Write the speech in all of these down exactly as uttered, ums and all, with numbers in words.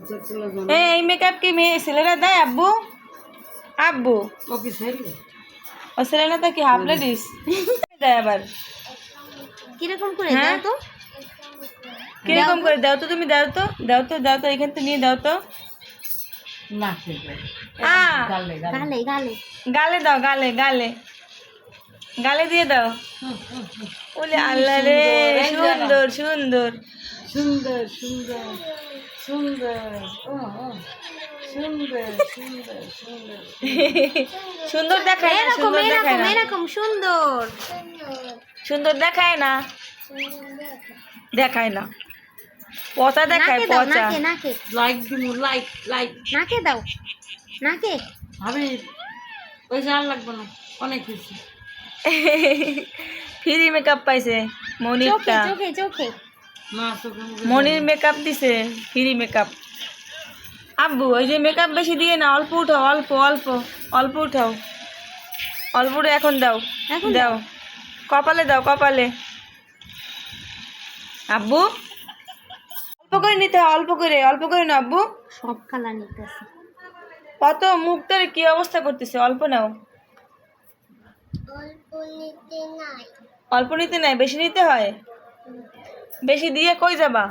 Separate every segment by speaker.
Speaker 1: এই মেকআপ কি মেয়ে ছেলেরা দেয় আব্বু? আব্বু
Speaker 2: ও কি ছেলে?
Speaker 1: ও ছেলে না তো কি হাফ লেডিস দেয় আবার?
Speaker 3: কিরকম করে দাও তো?
Speaker 1: কিরকম করে দাও তো? তুমি দাও তো, দাও তো, দাও তো, এখান থেকে নিয়ে দাও তো।
Speaker 2: না
Speaker 1: আ
Speaker 2: গালে
Speaker 3: গালে গালে
Speaker 1: গালে দাও, গালে গালে গালে দিয়ে দাও। ওলে আল্লাহ রে, সুন্দর সুন্দর
Speaker 2: সুন্দর সুন্দর সুন্দর ও ও সুন্দর সুন্দর সুন্দর
Speaker 1: সুন্দর দেখায় না,
Speaker 3: এরকম
Speaker 1: সুন্দর দেখায়
Speaker 3: এরকম
Speaker 1: না,
Speaker 3: এরকম সুন্দর
Speaker 1: সুন্দর দেখায় না, দেখায় না, পচা দেখায়,
Speaker 3: নাকে দাও,
Speaker 1: পচা।
Speaker 3: নাকে নাকে
Speaker 2: লাইক দিমু লাইক লাইক
Speaker 3: নাকে দাও, নাকে
Speaker 2: ভাবি ওই যে আর লাগবে না, অনেক কিছু
Speaker 1: ফ্রি মেকআপ পাইছে
Speaker 3: চোখে
Speaker 1: মনিরটা,
Speaker 3: চোখে চোখে
Speaker 2: না চোখে মুখে
Speaker 1: মনির মেকআপ দিছে, ফ্রি মেকআপ। আব্বু ওই যে মেকআপ বেশি দিয়ে না, অল্প উঠাও, অল্প অল্প অল্প উঠাও, অল্প উঠে এখন দাও,
Speaker 3: এখন
Speaker 1: দাও, কপালে দাও, কপালে। আব্বু অল্প করে নিতে হয়, অল্প করে, অল্প করে না আব্বু।
Speaker 3: সব কালার নিতেছে।
Speaker 1: কত মুখটার কি অবস্থা করতেছে, অল্প নাও। অল্প নিতে নাই, বেশি নিতে হয়। বেশি দিয়ে কই যাবা?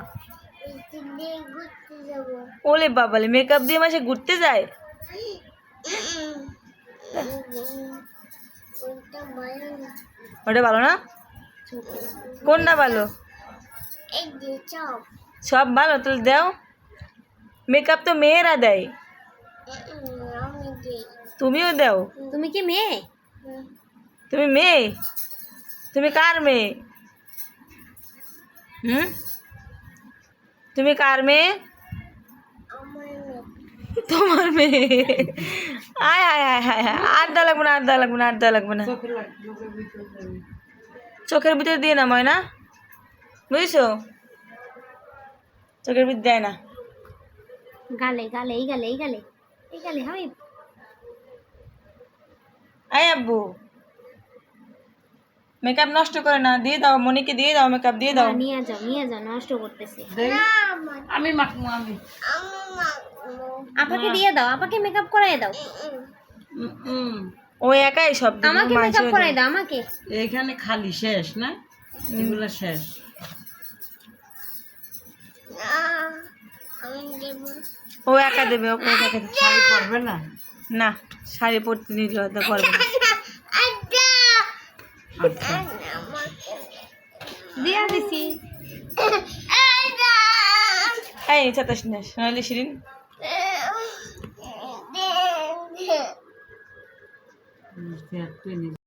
Speaker 1: ওলে বাবালে, মেকআপ দিয়ে মাসে ঘুরতে যায়? ওটা ভালো না? কোনটা ভালো? সব ভালো, তাহলে দাও। মেকআপ তো মেয়েরা দেয়, তুমিও দাও।
Speaker 3: তুমি কি মেয়ে?
Speaker 1: তুমি মেয়ে? তুমি কার মেয়ে? হুম, তুমি কার মেয়ে? তোমার মেয়ে। আয় আয় আয় হায় হায়, আর দেওয়া লাগবে না, আর দেওয়া লাগবে না, আর দেওয়া লাগবে না।
Speaker 2: চোখে লাগ চোখের ভিতরে যাবে।
Speaker 1: চোখের ভিতরে দিয়ে না ময়না, বুঝছো? চোখের ভিতরে দেয় না।
Speaker 3: গালে গালে এই গালে এই গালে এই গালে হয়।
Speaker 1: আয় আব্বু, মেকআপ নষ্ট করে না, দিয়ে দাও, মনিকে দিয়ে দাও, মেকআপ দিয়ে দাও।
Speaker 3: নিয়ে যাও নিয়ে যাও, নষ্ট করতেছে।
Speaker 2: দেই আমি মাখমু আমি
Speaker 3: আপাকে দিয়ে দাও, আপাকে মেকআপ করাই দাও,
Speaker 2: উম, উম।
Speaker 1: ও একাই সব দিবে,
Speaker 3: আমাকে
Speaker 1: ও
Speaker 3: মেকআপ
Speaker 1: মাঝেও
Speaker 3: করাই
Speaker 1: দেয়।
Speaker 3: দাও আমাকে।
Speaker 2: এখানে খালি শেষ না, এগুলো শেষ।
Speaker 1: ও একা দেবে, ওকে একা দেবে।
Speaker 2: শাড়ি পরবে না?
Speaker 1: না, শাড়ি পরতে নিলে হয়তো পারবে না।
Speaker 2: আচ্ছা
Speaker 3: দিয়া দিছি।
Speaker 1: এই চাতাস না, সোনালি শিরিন।
Speaker 2: তুই